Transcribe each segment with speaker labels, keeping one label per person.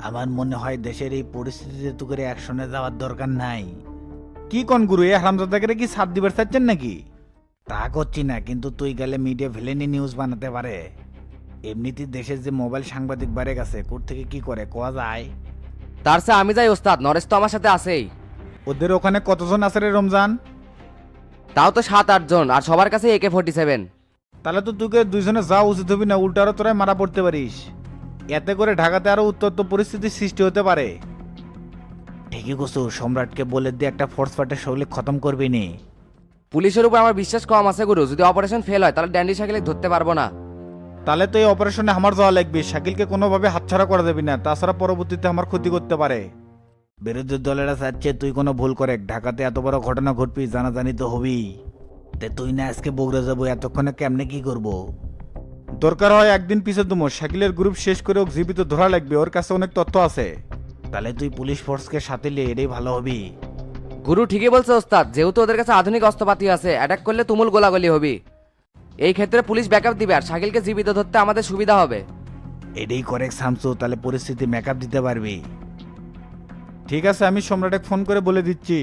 Speaker 1: আমার মনে হয় দেশের এই পরিস্থিতিতে তো করে অ্যাকশনে যাওয়ার দরকার নাই। কি কোন গুরু, এ হারামজাদাকে কি সাথ দিবার চাচ্ছেন নাকি? তা করছি না, কিন্তু তুই গেলে মিডিয়া ভিলেনি নিউজ বানাতে পারে। এমনিতেই দেশের যে মোবাইল সাংবাদিক বেড়ে গেছে, কোর থেকে কি করে কোয়া যায়।
Speaker 2: তার চেয়ে আমি যাই ওস্তাদ, নরেশ তো আমার সাথে আছেই।
Speaker 1: ওদের ওখানে কতজন আছে রে রমজান?
Speaker 2: তাও তো 7-8 জন, আর সবার কাছে AK-47।
Speaker 1: তাহলে তো তোকে দুইজনে যাওয়া উচিত হবি না, উল্টো আরো তোরাই মারা পড়তে পারিস। এতে করে ঢাকাতে আরো উত্তপ্ত পরিস্থিতির সৃষ্টি হতে পারে। ঠিকই কসু, সম্রাটকে বলে দিয়ে একটা ফোর্স পার্টের শৈলী খতম করবি নি।
Speaker 2: পুলিশের উপর আমার বিশ্বাস কম আছে গুরু, যদি অপারেশন ফেল হয় তাহলে ড্যান্ডি শাকিলে ধরতে পারবো না।
Speaker 1: তাহলে তো এই অপারেশনে আমার যাওয়া লাগবে, শাকিলকে কোনোভাবে হাতছাড়া করা দেবি না, তাছাড়া পরবর্তীতে আমার ক্ষতি করতে পারে। বিরোধী দলেরা চাচ্ছে তুই কোনো ভুল করে ঢাকাতে এত বড় ঘটনা ঘটবি, জানাজানি তো হবি। তে তুই না আজকে বগুড়া যাবো, এতক্ষণে কেমনে কি করব? দরকার হয় একদিন পিছে তুমো, শাকিলের গ্রুপ শেষ করে ওকে জীবিত ধরা লাগবে, ওর কাছে অনেক তথ্য আছে। তাহলে তুই পুলিশ ফোর্সকে সাথে নিয়ে এটাই ভালো হবি।
Speaker 2: গুরু ঠিকই বলছে ওস্তাদ, যেহেতু ওদের কাছে আধুনিক অস্ত্রপাতি আছে, অ্যাটাক করলে তুমুল গোলাগুলি হবি। এই ক্ষেত্রে পুলিশ ব্যাকআপ দিবে, আর শাকিলকে জীবিত ধরতে আমাদের সুবিধা হবে।
Speaker 1: এটাই করে শামসু, তাহলে পরিস্থিতি মেকআপ দিতে পারবি। ঠিক আছে, আমি সম্রাটে ফোন করে বলে দিচ্ছি।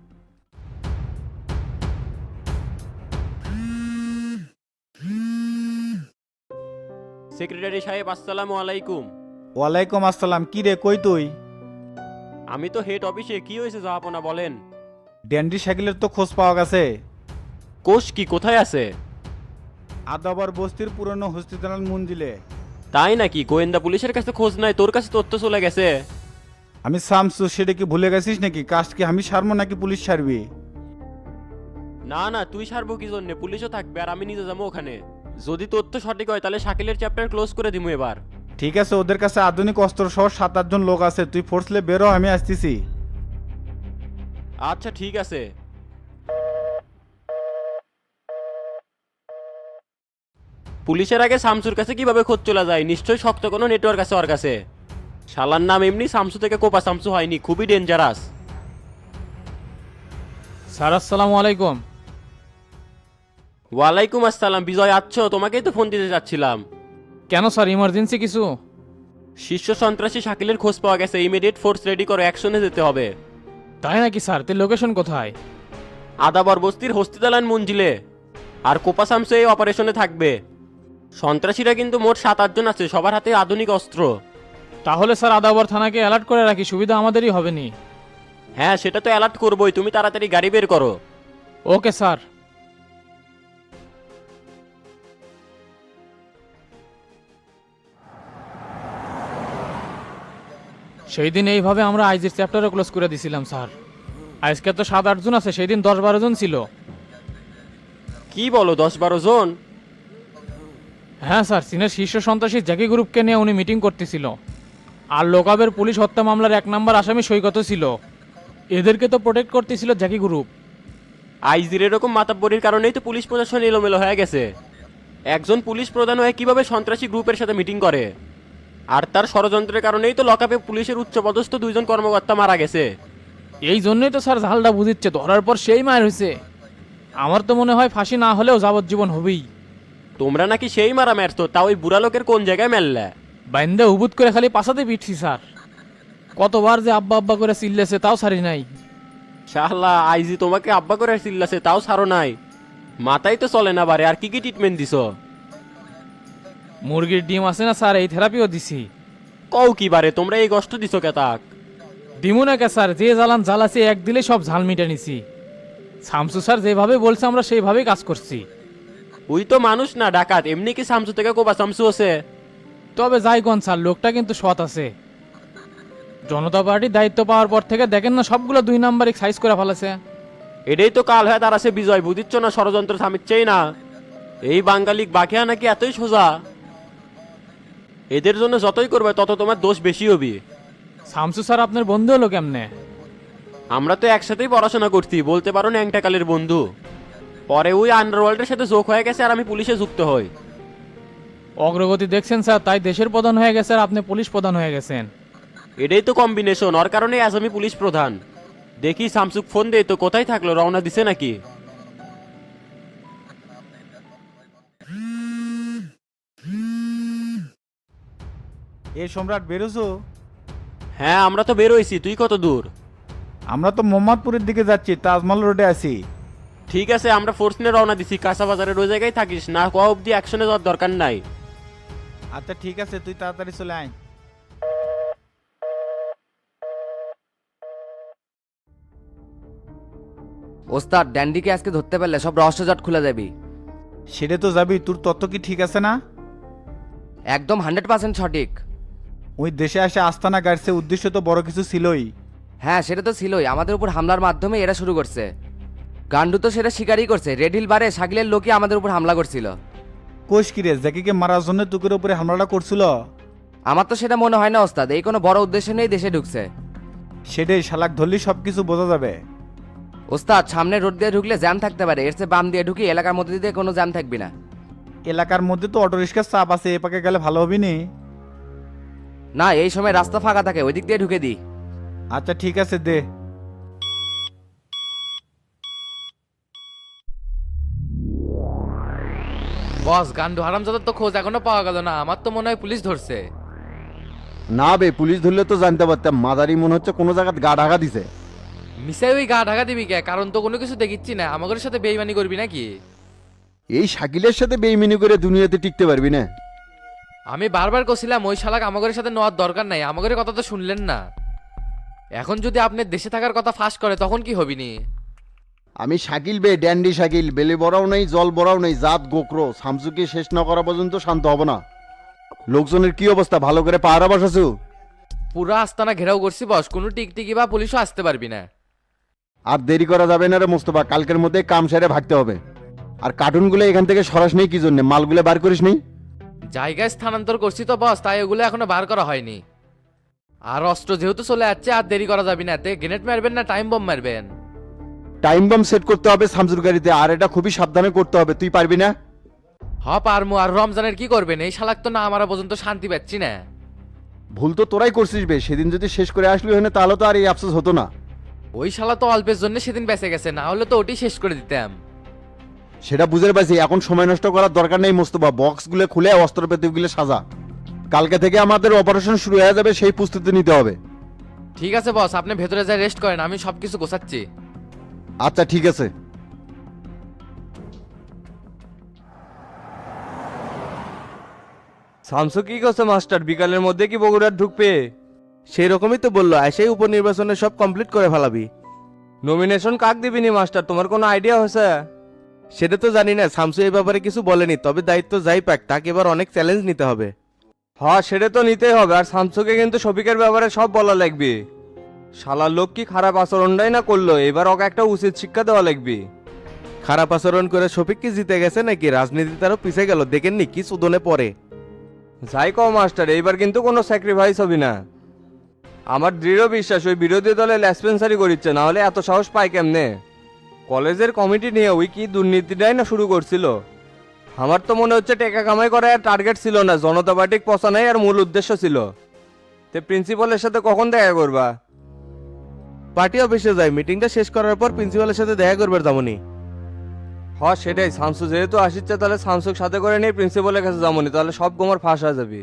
Speaker 3: সেক্রেটারি সাহেব, আসসালামু আলাইকুম।
Speaker 1: ওয়ালাইকুম আসসালাম। কি রে, কই তুই?
Speaker 3: আমি তো হেড অফিসে। কি হয়েছে জাহাপনা, বলেন।
Speaker 1: ড্যান্ডি শাকিলের তো খোঁজ পাওয়া গেছে।
Speaker 3: কোষ কি কোথায় আছে?
Speaker 1: আদাবার বস্তির পুরনো হসপিটাল মঞ্জিলে।
Speaker 3: তাই নাকি? গোয়েন্দা পুলিশের কাছে খোঁজ নাই, তোর কাছে তথ্য চলে গেছে।
Speaker 1: আমি শামসু, সেটা কি ভুলে গেছিস নাকি? কাজ কি আমি সারবো নাকি পুলিশ সারবি?
Speaker 3: না না, তুই সারবো কি জন্য? পুলিশও থাকবে আর আমি নিজে যাবো ওখানে। যদি তথ্য সঠিক হয় তাহলে শাকিলের চ্যাপ্টার ক্লোজ করে দিমু এবার।
Speaker 1: ঠিক আছে, ওদের কাছে আধুনিক অস্ত্র সহ 7-8 জন লোক আছে, তুই ফোর্সলে বেরো, আমি আসতেছি।
Speaker 3: আচ্ছা ঠিক আছে। পুলিশের আগে শামসুর কাছে কিভাবে খোঁজ চলে যায়? নিশ্চয়ই শক্ত কোনো নেটওয়ার্ক আছে ওর কাছে। শালার নাম এমনি শামসু থেকে কোপা শামসু হয়নি, খুবই ডেঞ্জারাস।
Speaker 4: স্যার আসসালামু আলাইকুম।
Speaker 3: ওয়ালাইকুম আসসালাম। বিজয় আছো? তোমাকেই তো ফোন দিতে যাচ্ছিলাম।
Speaker 4: কেন স্যার, ইমার্জেন্সি কিছু?
Speaker 3: শীর্ষ সন্ত্রাসী শাকিলের খোঁজ পাওয়া গেছে, ইমিডিয়েট ফোর্স রেডি করো, অ্যাকশনে যেতে হবে।
Speaker 4: তাই নাকি স্যার? তে লোকেশন কোথায়?
Speaker 3: আদাবর বস্তির হস্তিদালান মঞ্জিলে। আর কোপা শামসু এই অপারেশনে থাকবে। সন্ত্রাসীরা কিন্তু মোট 7-8 জন আছে, সবার হাতে আধুনিক অস্ত্র।
Speaker 4: তাহলে স্যার আদাবর থানাকে অ্যালার্ট করে রাখি, সুবিধা আমাদেরই হবে নি।
Speaker 3: হ্যাঁ, সেটা তো অ্যালার্ট করবোই, তুমি তাড়াতাড়ি গাড়ি বের করো।
Speaker 4: Okay sir. সেই দিন এইভাবে আমরা আইজির চ্যাপ্টারও ক্লোজ করে দিছিলাম স্যার। আজকে তো 7-8 জন আছে, সেই দিন 10-12 জন ছিল।
Speaker 3: কি বলো, 10-12 জন?
Speaker 4: হ্যাঁ স্যার, চীনের শীর্ষ সন্ত্রাসী জ্যাকি গ্রুপকে নিয়ে উনি মিটিং করতেছিল। আর লোকাবের পুলিশ হত্যা মামলার 1 নম্বর আসামি সৈকত ছিল। এদেরকে তো প্রোটেক্ট করতেছিল জ্যাকি গ্রুপ।
Speaker 3: আইজির এরকম মাতাব্বরির কারণেই তো পুলিশ প্রশাসন এলোমেলো হয়ে গেছে। একজন পুলিশ প্রধান হয়ে কিভাবে সন্ত্রাসী গ্রুপের সাথে মিটিং করে? আর তার ষড়যন্ত্রের কারণেই তো লকআপে পুলিশের উচ্চপদস্থ 2 জন কর্মকর্তা মারা গেছে।
Speaker 4: এই জন্যই তো স্যার ঝালটা বুঝিচ্ছে, ধরার পর সেই মায়ের হয়েছে। আমার তো মনে হয় ফাঁসি না হলেও যাবজ্জীবন হবেই।
Speaker 3: তোমরা নাকি সেই মারা মারতো, তা ওই বুড়া লোকের কোন জায়গায় মেললে?
Speaker 4: বাইন্দা উবুত করে খালি পাশাতে পিটছি স্যার। কতবার যে আব্বা আব্বা করে চিল্লেছে, তাও সারি নাই।
Speaker 3: শাহলা, আইজি তোমাকে আব্বা করে চিল্লাছে, তাও ছাড়ো নাই। মাথায় তো চলে না বারে, আর কি কি ট্রিটমেন্ট দিছো?
Speaker 4: মুরগির ডিম আছে না স্যার, এই থেরাপিও দিছি।
Speaker 3: কও কি বারে, তোমরা এই কষ্ট দিছো কেতাক?
Speaker 4: দিমু না কে স্যার, যে জ্বালান জ্বালাছি এক দিলে সব ঝাল মিটে নিছি। শামসু স্যার যেভাবে বলছে আমরা সেইভাবেই কাজ করছি।
Speaker 3: ওই তো মানুষ না ডাকাত, এমনি কি শামসু থেকে কোবা শামসু আছে?
Speaker 4: তবে যাই কোন স্যার, লোকটা কিন্তু সৎ আছে। জনতা পার্টির দায়িত্ব পাওয়ার পর থেকে দেখেন না, সবগুলো 2 নাম্বারিক সাইজ করে ফেলেছে।
Speaker 3: এটাই তো কাল হয়ে দাঁড়াছে বিজয়, বুঝিচ্ছ না? ষড়যন্ত্র থামিচ্ছেই না। এই বাঙালিক বাকিয়া নাকি এতই সোজা? এদের জন্য যতই করবে তত তোমার দোষ বেশি হবে।
Speaker 4: শামসু স্যার আপনার বন্ধু হলো কেমনে?
Speaker 3: আমরা তো একসাথেই পড়াশোনা করছি, বলতে পারো ন্যাংটাকালের বন্ধু। পরে ওই আন্ডারওয়ার্ল্ডের সাথে যোগ হয়ে গেছে, আর আমি পুলিশে যুক্ত হই।
Speaker 4: অগ্রগতি দেখছেন স্যার, তাই দেশের প্রধান হয়ে গেছে আর আপনি পুলিশ প্রধান হয়ে গেছেন।
Speaker 3: এটাই তো কম্বিনেশন, ওর কারণে আজ আমি পুলিশ প্রধান। দেখি শামসুক ফোন দেই তো, কোথায় থাকলো, রওনা দিছে নাকি?
Speaker 1: এ সম্রাট, বেরোছো?
Speaker 3: হ্যাঁ আমরা তো বের হইছি, তুই কত দূর?
Speaker 1: আমরা তো মোহাম্মদপুরের দিকে যাচ্ছি, তাজমহল রোডে আছি।
Speaker 3: ঠিক আছে, আমরা ফোর্স নিয়ে রওনা দিছি। কাঁচা বাজারের ওই জায়গায় থাকিস না, ক অব্দি অ্যাকশনে যাওয়ার দরকার নাই।
Speaker 1: আচ্ছা ঠিক আছে, তুই তাড়াতাড়ি চলে আয়।
Speaker 2: ওস্তাদ ড্যান্ডিকে আজকে ধরতে পারলে সব রহস্যজট খুলে যাবি।
Speaker 1: সেটা তো যাবি, তোর তত্ত্ব কি ঠিক আছে না?
Speaker 2: একদম 100% সঠিক।
Speaker 1: ওই দেশে আসে আস্তানা গাড়ছে, উদ্দেশ্য তো বড় কিছু ছিলই।
Speaker 2: হ্যাঁ সেটা তো ছিলই, আমাদের উপর হামলার মাধ্যমে এরা শুরু করছে। গান্ডু তো সেটা স্বীকারই করছে, রেড হিল বারে শাকিলের লোকই আমাদের উপর হামলা করছিল।
Speaker 1: কোষ কিরে, জ্যাকিকে মারার জন্য তুকের উপরে হামলাটা করছিল?
Speaker 2: আমার তো সেটা মনে হয় না ওস্তাদ, এই কোনো বড় উদ্দেশ্য নেই দেশে ঢুকছে।
Speaker 1: সেটাই, শালাক ধরলি সব কিছু বোঝা যাবে।
Speaker 2: ওস্তাদ সামনে রোড দিয়ে ঢুকলে জ্যাম থাকতে পারে, এর চেয়ে বাম দিয়ে ঢুকি, এলাকার মধ্যে দিয়ে কোনো জ্যাম থাকবি না।
Speaker 1: এলাকার মধ্যে তো অটোরিক্সার চাপ আছে, এ পাকে গেলে ভালো হবি নি?
Speaker 2: না এই সময় রাস্তা ফাঁকা থাকে, ওই দিক দিয়ে ঢুকে দিই।
Speaker 1: আচ্ছা ঠিক আছে, দে।
Speaker 5: বস, গান্ডু হারামজাদার তো খোঁজ এখনো পাওয়া গেল না। আমার তো মনে হয় পুলিশ ধরছে।
Speaker 6: না বে, পুলিশ ধরলে তো জানতে পারতাম। মাদারি মনে হচ্ছে কোনো জায়গায় গা ঢাকা দিছে।
Speaker 5: মিসাই ওই গা ঢাকা দিবি কে? কারণ তো কোনো কিছু দেখিচ্ছি না। আমাদের সাথে বেইমানি করবি নাকি?
Speaker 6: এই শাকিলের সাথে বেইমিনি করে দুনিয়াতে টিকতে পারবি না।
Speaker 5: আমি বারবার কছিলাম ওই শালাক আমাদের সাথে নেওয়ার দরকার নাই, আমাদের কথা তো শুনলেন না। এখন যদি আপনি দেশে থাকার কথা ফাঁস করে তখন কি হবিনি?
Speaker 6: আমি শাকিল বে, ড্যান্ডি শাকিল। বেলে বড়াও নেই, জল বড়াও নেই, জাত গোকরো। শামসুকে শেষ না করা পর্যন্ত শান্ত হব না। লোকজনের কি অবস্থা, ভালো করে পাহারা বসাছু?
Speaker 5: পুরা আস্তানা ঘেরাও করছি বস, কোনো টিকটিকি বা পুলিশও আসতে পারবি না।
Speaker 6: আর দেরি করা যাবে না রে মোস্তফা, কালকের মধ্যে কাম সেরে ভাগতে হবে। আর কার্টুনগুলো এখান থেকে সরাস নেই কি জন্য? মালগুলো বার করিস নেই?
Speaker 5: জায়গায় স্থানান্তর করছি তো বস, তাই ওগুলো এখনো বার করা হয়নি। আর অস্ত্র যেহেতু চলে যাচ্ছে, আর দেরি করা যাবে না। গ্রেনেড মারবেন না টাইম বম মারবেন?
Speaker 6: টাইম বম সেট করতে হবে শামসুর গাড়িতে, আর এটা খুবই সাবধানে করতে হবে। তুই পারবি না?
Speaker 5: হ পারমু। আর রমজানের কি করবেন? এই শালাক তো না আমারা পর্যন্ত শান্তি পাচ্ছি না।
Speaker 6: ভুল তো তোরাই করছিস বে। সেদিন যদি শেষ করে আসলি হয় না, তাহলে তো আর এই আফসোস হতো না।
Speaker 5: ওই শালা তো অল্পের জন্য সেদিন বেঁচে গেছে, না হলে তো ওটি শেষ করে দিতাম।
Speaker 6: সেটা বুঝে পাইছি, এখন সময় নষ্ট করার দরকার নেই মোস্তফা। বক্সগুলো খুলে অস্ত্রপাতিগুলো সাজা। কালকে থেকে আমাদের অপারেশন শুরু হয়ে যাবে, সেই প্রস্তুতি নিতে হবে।
Speaker 5: ঠিক আছে বস, আপনি ভেতরে যাই রেস্ট করেন, আমি সবকিছু গোছাচ্ছি।
Speaker 6: আচ্ছা ঠিক আছে।
Speaker 7: শামসু কি করছে মাস্টার? বিকালের মধ্যে কি বগুড়ার ঢুকবে? সেই রকমই তো বললো, এসেই উপনির্বাচনে সব কমপ্লিট করে ফেলাবি। নমিনেশন কাক দিবিনি মাস্টার, তোমার কোনো আইডিয়া হয়েছে? সেটা তো জানি না, শামসু এই ব্যাপারে কিছু বলেনি। তবে দায়িত্ব যাই পাক, তাকে এবার অনেক চ্যালেঞ্জ নিতে হবে। হ্যাঁ সেটা তো নিতেই হবে। আর শামসুকে কিন্তু শফিকের ব্যাপারে সব বলা লাগবে। শালার লোক কি খারাপ আচরণটাই না করলো, এবার ওকে একটা উচিত শিক্ষা দেওয়া লাগবে। খারাপ আচরণ করে শফিক কি জিতে গেছে নাকি? রাজনীতি তারও পিছিয়ে গেল, দেখেননি কি সুদনে পড়ে। যাই কও মাস্টার, এইবার কিন্তু কোনো স্যাক্রিফাইস হবে না। আমার দৃঢ় বিশ্বাস ওই বিরোধী দলে ল্যাসপেন্সারি করিচ্ছে, না হলে এত সাহস পায় কেমনে? কলেজের কমিটি নিয়ে ওই কি দুর্নীতিটাই না শুরু করছিল। আমার তো মনে হচ্ছে টাকা কামাই করা আর টার্গেট ছিল না, জনতা পার্টিক পচানাই আর মূল উদ্দেশ্য ছিল। তে প্রিন্সিপালের সাথে কখন দেখা করবা? পার্টি অফিসে যাই, মিটিংটা শেষ করার পর প্রিন্সিপালের সাথে দেখা করবে তেমনই। হ্যাঁ সেটাই, শামসু যেহেতু আসিচ্ছে তাহলে শামসুক সাথে করে নিয়ে প্রিন্সিপালের কাছে যাবনি, তাহলে সব গোমর ফাঁস হয়ে যাবে।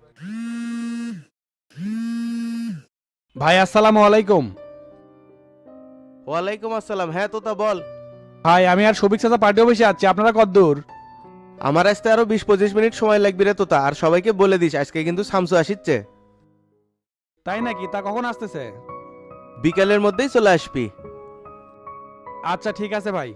Speaker 8: ভাই আসসালামু আলাইকুম।
Speaker 7: ওয়ালাইকুম আসসালাম। হ্যাঁ তোতা বল।
Speaker 8: ভাই আমি আর সবিক চাচা পার্টি অফিসে আছি, আপনারা কতদূর?
Speaker 7: আমার আসতে আরো 20-25 মিনিট সময় লাগবে রে তোতা। আর সবাইকে বলে দিস আজকে কিন্তু শামসু আসিচ্ছে।
Speaker 8: তাই নাকি? তা কখন আসতেছে?
Speaker 7: বিকালের মধ্যেই চলে আসবি।
Speaker 8: আচ্ছা ঠিক আছে ভাই।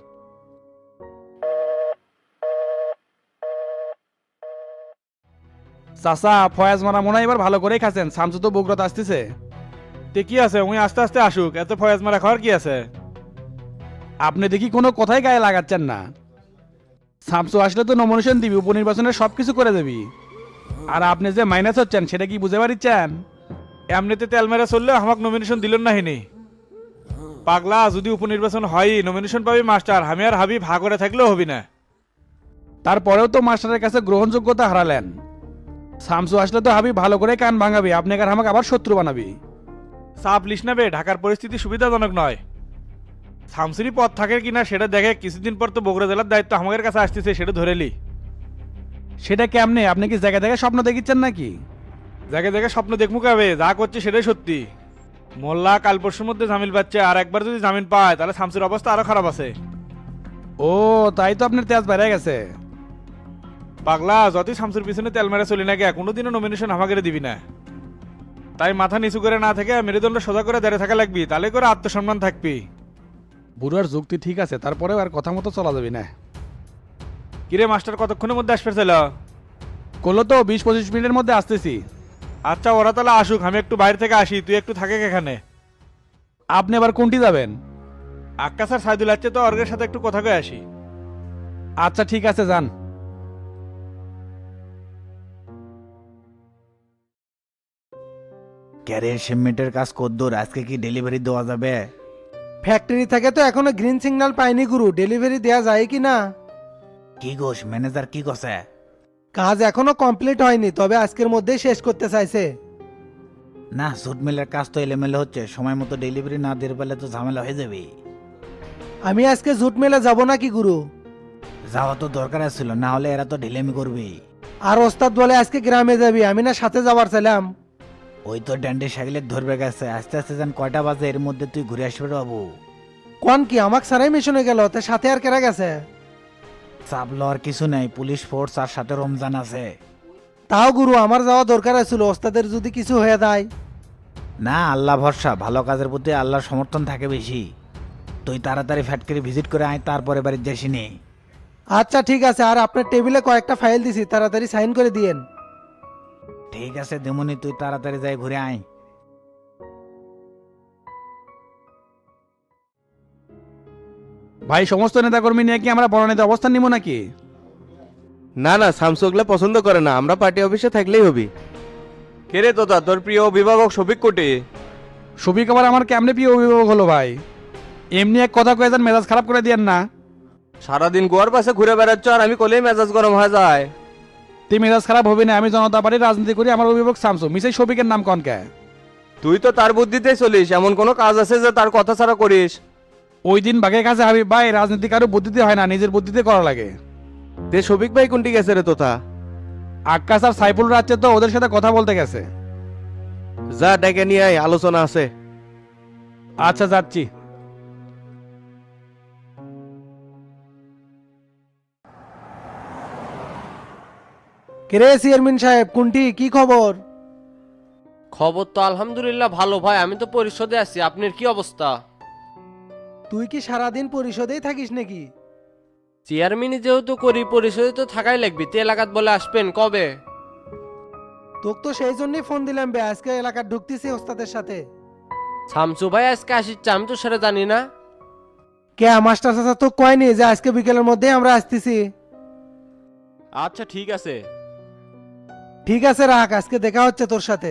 Speaker 8: চাচা ফয়াজ মারা মনে হয় এবার ভালো করেই খাচ্ছেন, শামসু তো বগুড়াতে আসতেছে। তে কি আছে, উনি আস্তে আস্তে আসুক, এত ফয়াজ মারা খাওয়ার কি আছে? আপনি দেখি কোনো কথাই গায়ে লাগাচ্ছেন না। শামসু আসলে তো নমিনেশন দিবি, উপনির্বাচনের সব কিছু করে দেবি। আর আপনি যে মাইনাস হচ্ছেন সেটা কি বুঝে পারিচ্ছেন? এমনিতে তেল মেরে চললে আমাকে নমিনেশন দিলেন না হিনি পাগলা। যদি উপনির্বাচন হয় নমিনেশন পাবি মাস্টার, আমি আর হাবি ভাগ করে থাকলেও হবি না। তারপরেও তো মাস্টারের কাছে গ্রহণযোগ্যতা হারালেন। শামসু আসলে তো হাবি ভালো করে কান ভাঙাবি, আপনি আর আমাকে আবার শত্রু বানাবি। চাপ লিস না বে, ঢাকার পরিস্থিতি সুবিধাজনক নয়। শামসুরি পথ থাকে কিনা সেটা দেখে, কিছুদিন পর তো বগুড়া জেলার দায়িত্ব আমাদের কাছে আসতেছে, সেটা ধরে লি। সেটা কেমনে? আপনি কি জায়গা দেখে স্বপ্ন দেখিচ্ছেন নাকি? জায়গায় জায়গায় স্বপ্ন দেখমু কাবে যা করছে সেটাই সত্যি। মোল্লা কাল পরশুর মধ্যে জামিন পাচ্ছে, আর একবার যদি জামিন পায় তাহলে শামসুর অবস্থা আরো খারাপ আছে। ও তাই তো আপনার তেজ বেড়ে গেছে। পাগলা, যতই শামসুর পিছনে তেল মেরে চলি না গে, কোনোদিনও নমিনেশন আমাকে দিবি না। তাই মাথা নিচু করে না থেকে মেরুদণ্ড সোজা করে দাঁড়িয়ে থাকা লাগবি, তাহলে করে আত্মসম্মান থাকবি। বুড়ার যুক্তি ঠিক আছে, তারপরেও আর কথা মতো চলা যাবি না। কিরে মাস্টার, কতক্ষণের মধ্যে আসবে ছিল? করলো তো 20-25 মিনিটের মধ্যে আসতেছি। আচ্ছা ওরা তাহলে আসুক, আমি একটু বাইরে থেকে আসি, তুই একটু থাকে এখানে। আপনি আবার কোনটি যাবেন? আক্কাস আর সাইদুল আছে তো, অর্গের সাথে একটু কথা কয়ে আসি। আচ্ছা ঠিক আছে, যান।
Speaker 1: ক্যারিয়ার শিপমেন্টের কাজ কদ্দুর, আজকে কি ডেলিভারি দেওয়া যাবে?
Speaker 9: ফ্যাক্টরি থেকে তো এখনো গ্রিন সিগন্যাল পাইনি গুরু, ডেলিভারি দেয়া যায় কি না?
Speaker 1: কি গোস, ম্যানেজার কি কছে?
Speaker 9: কাজ এখনো কমপ্লিট হয়নি, তবে আজকের মধ্যেই শেষ করতে চাইছে।
Speaker 1: না, জুট মিলের কাজ তো এলোমেলো হচ্ছে, সময় মতো ডেলিভারি না দিয়ে পারলে তো ঝামেলা হয়ে যাবে।
Speaker 9: আমি আজকে জুট মেলে যাব নাকি গুরু?
Speaker 1: যাওয়া তো দরকার ছিল, না হলে এরা তো ঢিলেমি করবে।
Speaker 9: আর ওস্তাদ বলে আজকে গ্রামে যাবি, আমি না সাথে যাবার ছিলাম।
Speaker 1: ওই তো ড্যান্ডি সাইকেলে ধরবে গেছে, আস্তে আস্তে যান কয়টা বাজে, এর মধ্যে তুই ঘুরে আসবে বাবু।
Speaker 9: কোন কি আমাকে সারাই মিশনে গেল, তা সাথে আর কেরা গেছে?
Speaker 1: চাপ লওয়ার কিছু নেই, পুলিশ ফোর্স আর সাথে রমজান আছে।
Speaker 9: তাও গুরু আমার যাওয়া দরকার ছিল, ওস্তাদের যদি কিছু হয়ে যায়।
Speaker 1: না, আল্লাহ ভরসা, ভালো কাজের প্রতি আল্লাহর সমর্থন থাকে বেশি। তুই তাড়াতাড়ি ফ্যাক্টরি ভিজিট করে আয়, তারপরে বাড়ির যাসিনি।
Speaker 9: আচ্ছা ঠিক আছে, আর আপনার টেবিলে কয়েকটা ফাইল দিছি, তাড়াতাড়ি সাইন করে দিয়েন।
Speaker 1: ঠিক আছে দেমনি, তুই তাড়াতাড়ি যাই ঘুরে আয়।
Speaker 8: ভাই, সমস্ত নেতাকর্মী নিয়ে কি আমরা বড় নেতা অবস্থান নিব নাকি?
Speaker 7: না না, শামসু ওগুলা পছন্দ করে না, আমরা পার্টি অফিসে থাকলেই হবি। কে রে তোতা, তোর প্রিয় অভিভাবক শফিক কোটি?
Speaker 8: ছবি কবার আমার কেমনে প্রিয় অভিভাবক হলো ভাই? এমনি এক কথা কয়ে যান, মেজাজ খারাপ করে দিয়েন না।
Speaker 7: সারাদিন গোয়ার পাশে ঘুরে বেড়াচ্ছ, আর আমি কলেই মেজাজ গরম হয়ে যায়।
Speaker 8: তুই মেজাজ খারাপ হবে না, আমি জনতা পার্টির রাজনীতি করি, আমার অভিভাবক শামসু, মিসেই শফিকের নাম কনকে?
Speaker 7: তুই তো তার বুদ্ধিতেই চলিস, এমন কোনো কাজ আছে যে তার কথা ছাড়া করিস?
Speaker 8: ওই দিন বাঘের কাছে হাবিব ভাই, রাজনীতি কারো বুদ্ধিতে হয় না, নিজের বুদ্ধিতে করা লাগে।
Speaker 7: তে শফিক ভাই কোনটি গেছে রে তোতা?
Speaker 8: আক্কাস আর সাইফুল রাজ্যে তো ওদের সাথে কথা বলতে গেছে।
Speaker 7: যা ডেকে নিয়ে আয়, আলোচনা আছে।
Speaker 8: আচ্ছা যাচ্ছি।
Speaker 9: কেরে চেয়ারম্যান সাহেব, কোনটি কি খবর?
Speaker 5: খবর তো আলহামদুলিল্লাহ ভালো ভাই, আমি তো পরিষদে আছি। আপনার কি অবস্থা?
Speaker 9: তুই কি সারাদিন পরিষদেই থাকিস নাকি?
Speaker 5: চেয়ারম্যানই যেহেতু করি, পরিষদে তো থাকাই লাগবে। তে এলাকাত বলে আসবেন কবে?
Speaker 9: তোকে তো সেই জন্যই ফোন দিলাম বে, আজকে এলাকার ঢুকতেছি ওস্তাদের সাথে।
Speaker 5: শামসু ভাই আজকে আসিচ্ছে, আমি তো সেটা জানি না।
Speaker 9: কে মাস্টার চাচা তো কয়নি যে আজকে বিকেলের মধ্যেই আমরা আসতেছি?
Speaker 3: আচ্ছা ঠিক আছে।
Speaker 9: ঠিক আছে রাখ, আজকে দেখা হচ্ছে তোর সাথে।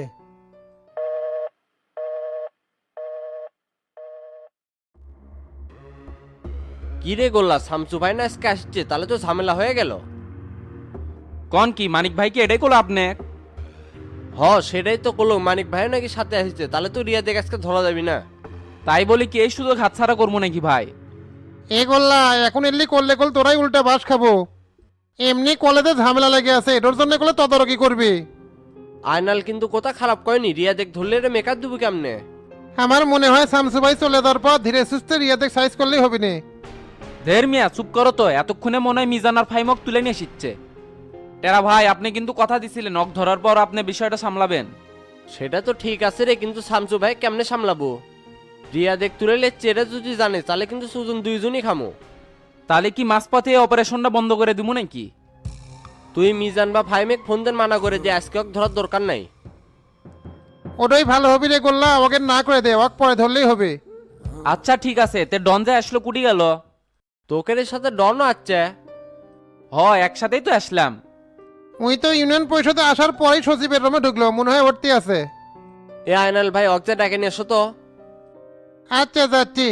Speaker 5: কি রে গোল্লা, শামসু ভাই না আজকে আসছে, তাহলে তো ঝামেলা হয়ে গেল।
Speaker 4: কোন কি মানিক ভাই কি এটাই করলো আপনি?
Speaker 5: সেটাই তো করলো, মানিক ভাই নাকি সাথে আসছে, তাহলে তো রিয়া দেখ আজকে ধরা যাবি না।
Speaker 4: তাই বলি কি এই সুযোগ হাতছাড়া করবো নাকি ভাই?
Speaker 10: এ গোল্লা, এখন এলি করলে কল তোরাই উল্টা বাস খাবো। এমনি কলেজে ঝামেলা লেগে আছে, এটার জন্য কলে তদারকি করবি।
Speaker 5: আয়নাল কিন্তু কথা খারাপ কয়নি, রিয়া দেখ ধরলে রে মেকআপ দিবি কেমনে?
Speaker 10: আমার মনে হয় শামসু ভাই চলে যাওয়ার পর ধীরে সুস্থে রিয়াদেক সাইজ করলেই হবে না।
Speaker 4: দের মিয়া চুপ করো তো, এতক্ষণে মনে হয় মিজান আর ফাইমক তুলে নিয়ে এসেছে। টেরা ভাই, আপনি কিন্তু কথা দিছিলেন নখ ধরার পর আপনি বিষয়টা সামলাবেন।
Speaker 5: সেটা তো ঠিক আছে রে, কিন্তু শামসু ভাই কেমনে সামলাবো? রিয়া দেখ তুলে চেরা যদি জানে, তাহলে কিন্তু সুজন দুইজনই খামো।
Speaker 4: তাহলে কি মাঝপথে অপারেশনটা বন্ধ করে দিব নাকি?
Speaker 5: তুই মিজান বা ফাইমেক ফোন দেন মানা করে যে আজকে ওকে ধরার দরকার নাই।
Speaker 10: ওটাই ভালো হবে রে গোল্লা, ওকে না করে দে, ওকে পরে ধরলেই হবে।
Speaker 4: আচ্ছা ঠিক আছে, তে ডন যে আসলো কুটি গেল?
Speaker 5: তোকের সাথে ডনও আছে।
Speaker 4: একসাথেই তো আসলাম।
Speaker 10: উই তো ইউনিয়ন পরিষদে আসার পরেই সচিবের রুমে ঢুকলো, মনে হয় ভর্তি আছে।
Speaker 5: এ আয়নাল ভাই অকজা ডাকে নিয়ে এসো তো।
Speaker 10: আচ্ছা যাচ্ছি।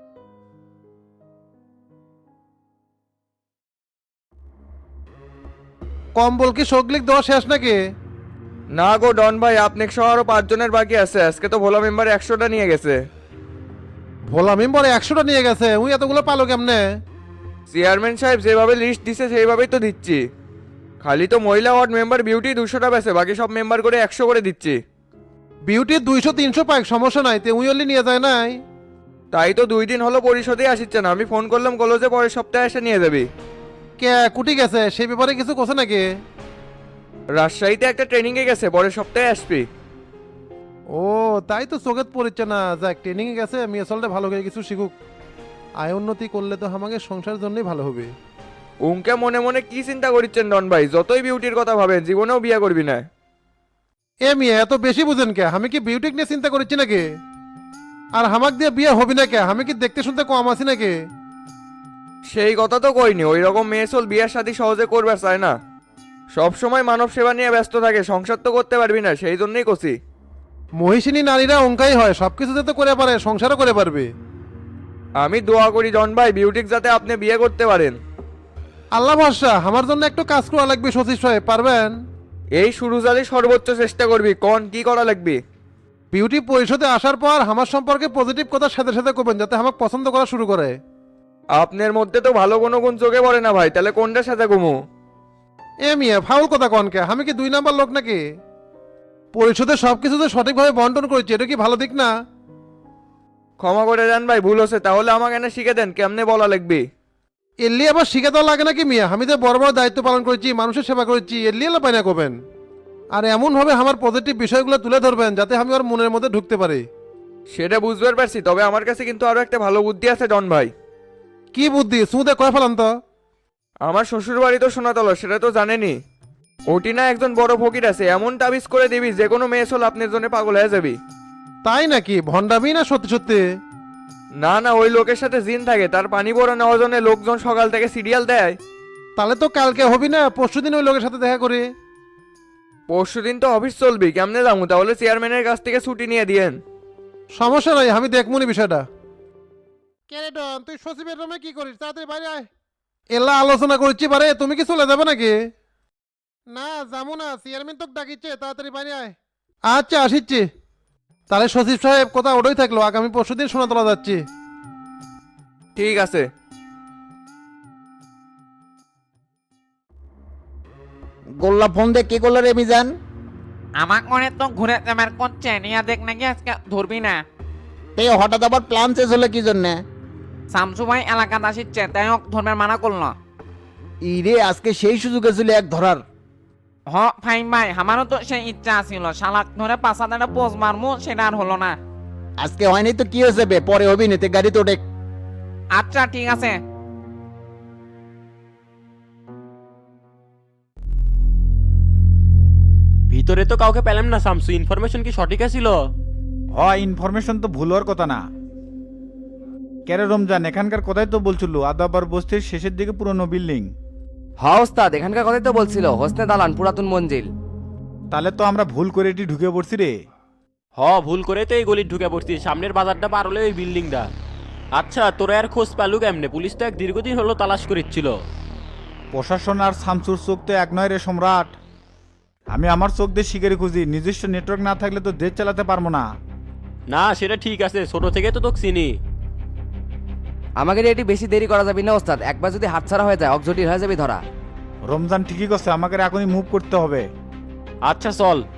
Speaker 10: কম্বল কি সগলিক দেওয়া শেষ নাকি?
Speaker 7: না গো ডন ভাই, আপনি সহ আরো 5 জনের বাকি আছে, আজকে তো ভোলা মেম্বার 100টা নিয়ে গেছে।
Speaker 10: ভোলা মেম্বার 100টা নিয়ে গেছে, উই এতগুলো পালো কেমনে?
Speaker 7: চেয়ারম্যান সাহেব যেভাবে লিস্ট দিছে সেইভাবেই তো দিচ্ছি। খালি তো মহিলা ওয়ার্ড মেম্বার বিউটি 200টা বেছে, বাকি সব মেম্বার করে 100 করে দিচ্ছি।
Speaker 10: বিউটি 200-300 পাক সমস্যা নাই, তে উইলি নিয়ে যায় নাই।
Speaker 7: তাই তো 2 দিন হলো পরিষদে আসিচ্ছে না, আমি ফোন করলাম কলেজে পরের সপ্তাহে এসে নিয়ে যাবি।
Speaker 10: কে কুটি গেছে সেই ব্যাপারে কিছু কোসে নাকি?
Speaker 7: রাজশাহীতে একটা ট্রেনিংয়ে গেছে, পরের সপ্তাহে আসবি।
Speaker 10: ও তাই তো চোখে পড়ছে না, যাক ট্রেনিং এ গেছে, মেয়ে চলতে ভালো করে কিছু শিখুক। আয় উন্নতি করলে তো আমাকে সংসারের জন্যই ভালো হবে।
Speaker 7: উনকে মনে মনে কি চিন্তা করছেন ডন ভাই? যতই বিউটির কথা ভাবেন জীবনেও বিয়ে করবি না।
Speaker 10: এ মেয়ে এত বেশি বুঝেন কে? আমি কি বিউটি নিয়ে চিন্তা করছি নাকি? আর হামাক দিয়ে বিয়ে হবি না কে? আমি কি দেখতে শুনতে কম আছি নাকি?
Speaker 7: সেই কথা তো কইনি, ওই রকম মেয়ে চল বিয়ের সাথে সহজে করবে চায় না, সব সময় মানব সেবা নিয়ে ব্যস্ত থাকে, সংসার তো করতে পারবি না, সেই জন্যই কছি।
Speaker 10: মহিষিনী নারীরা অঙ্কাই হয়, সবকিছু যাতে করে পারে সংসারও করে পারবে।
Speaker 7: আমি দোয়া করি ডন ভাই বিউটিক যাতে আপনি বিয়ে করতে পারেন।
Speaker 10: আল্লাহ ভরসা, আমার জন্য একটু কাজ করা লাগবে সচিব সাহেব, পারবেন?
Speaker 7: এই শুরু জালি সর্বোচ্চ চেষ্টা করবি, কোন কি করা লাগবে?
Speaker 10: বিউটি পরিষদে আসার পর আমার সম্পর্কে পজিটিভ কথা সাথে সাথে করবেন, যাতে আমাকে পছন্দ করা শুরু করে।
Speaker 7: আপনার মধ্যে তো ভালো কোনো গুণ চোখে পড়ে না ভাই, তাহলে কোনটার সাথে ঘুমো?
Speaker 10: এ মিয়া ফাউল কথা কনকে? আমি কি 2 নাম্বার লোক নাকি? পরিষদে সবকিছু যে সঠিকভাবে বন্টন করেছি, এটা কি ভালো দিক না?
Speaker 7: ক্ষমা করে দেন ভাই, ভুল হচ্ছে, তাহলে আমাকে এনে শিখে দেন কেমনে বলা লাগবে।
Speaker 10: এল্লি আবার শিখে দেওয়া লাগে নাকি মিয়া? আমি তো বড় বড় দায়িত্ব পালন করেছি, মানুষের সেবা করেছি, এল্লি এলা পাই না করবেন। আর এমন ভাবে আমার পজিটিভ বিষয়গুলো তুলে ধরবেন যাতে আমি ওর মনের মধ্যে ঢুকতে পারি।
Speaker 7: সেটা বুঝতে পারছি, তবে আমার কাছে কিন্তু আরো একটা ভালো বুদ্ধি আছে ডন ভাই।
Speaker 10: কি বুদ্ধি? সুদে কয় ফেলান তো।
Speaker 7: আমার শ্বশুর বাড়ি তো সোনাতলা, সেটা তো জানেনি। ওটি না একজন বড় ফকির আছে, এমন তাবিজ করে দিবি যে কোনো মেয়ে চল আপনার জন্য পাগল হয়ে যাবি।
Speaker 10: তাই নাকি? ভণ্ডামি না সত্যি সত্যি?
Speaker 7: না না, ওই লোকের সাথে জিন থাকে, তার পানি বড় নেওয়ার জন্য লোকজন সকাল থেকে সিরিয়াল দেয়।
Speaker 10: তাহলে তো কালকে হবি না, পরশুদিন ওই লোকের সাথে দেখা করি।
Speaker 7: পরশুদিন তো অফিস চলবি, কেমনে যাবো? তাহলে চেয়ারম্যানের কাছ থেকে ছুটি নিয়ে দিয়েন।
Speaker 10: সমস্যা নাই, আমি দেখমুনি বিষয়টা। কেরে ডন, তুই সচিবের রুমে কি করিস? তাড়াতাড়ি বাইরে আয়। এলা আলোচনা করছি পারে, তুমি কি চলে যাবে নাকি? না যাবো না, চেয়ারম্যান তোকে ডাকিচ্ছে, তাড়াতাড়ি বাইরে আয়। আচ্ছা আসিচ্ছি। তাহলে সচিব সাহেব কথা ওটাই থাকলো, আগামী পরশুদিন সোনাতলা যাচ্ছি।
Speaker 7: ঠিক আছে।
Speaker 1: গোল্লা ফোন দিয়ে কি করলো রে মিজান?
Speaker 11: আমার মনে তো ঘুরে আমার করছে নিয়ে দেখ নাকি আজকে ধরবি না।
Speaker 1: তে হঠাৎ আবার প্ল্যান চেঞ্জ হলো কি জন্যে?
Speaker 11: শামসু ভাই এলাকাতে আসিচ্ছে, তাই হোক ধর্মের মানা করলো।
Speaker 1: ইরে আজকে সেই সুযোগে ছিল এক ধরার।
Speaker 11: হ ফাইন ভাই, আমারও তো সেই ইচ্ছা ছিল, শালাক ধরে 5 পোজ মারমু, সেটা আর হলো না।
Speaker 1: আজকে হয়নি তো কি হয়েছে বে, পরে হবি নিতে গাড়ি তো ডেক।
Speaker 11: আচ্ছা ঠিক আছে।
Speaker 3: ভিতরে তো কাউকে পেলাম না শামসু, ইনফরমেশন কি সঠিক ছিল?
Speaker 1: ইনফরমেশন তো ভুল হওয়ার কথা না। কেরে রমজান, এখানকার কথাই তো বলছিল, আদাবার বস্তির শেষের দিকে পুরনো বিল্ডিং।
Speaker 2: হ্যাঁ ওস্তাদ, এখানকার কথাই তো বলছিল, হোসনে দালান পুরাতন মঞ্জিল।
Speaker 1: তাহলে তো আমরা ভুল করে এটি ঢুকে পড়ছি রে।
Speaker 3: ভুল করে তো এই গলির ঢুকে পড়ছি, সামনের বাজারটা পার হলে ওই বিল্ডিংটা। আচ্ছা তোরা আর খোঁজ পেলু কেমনে? পুলিশ তো এক দীর্ঘদিন হলো তালাশ করেছিল।
Speaker 1: প্রশাসন আর শামসুর চোখ তো এক নয় রে সম্রাট। আমি আমার চোখ দিয়ে শিকারি খুঁজি, নিজস্ব নেটওয়ার্ক না থাকলে তো দেশ চালাতে পারবো না।
Speaker 3: না সেটা ঠিক আছে, ছোট থেকে তো তোকে চিনি।
Speaker 2: আমাকে এটি বেশি দেরি করা যাবে না ওস্তাদ, একবার যদি হাতছাড়া হয়ে যায় অকজটিল হয়ে যাবে ধরা।
Speaker 1: রমজান ঠিকই করছে, আমাকে এখনই মুভ করতে হবে।
Speaker 3: আচ্ছা চল।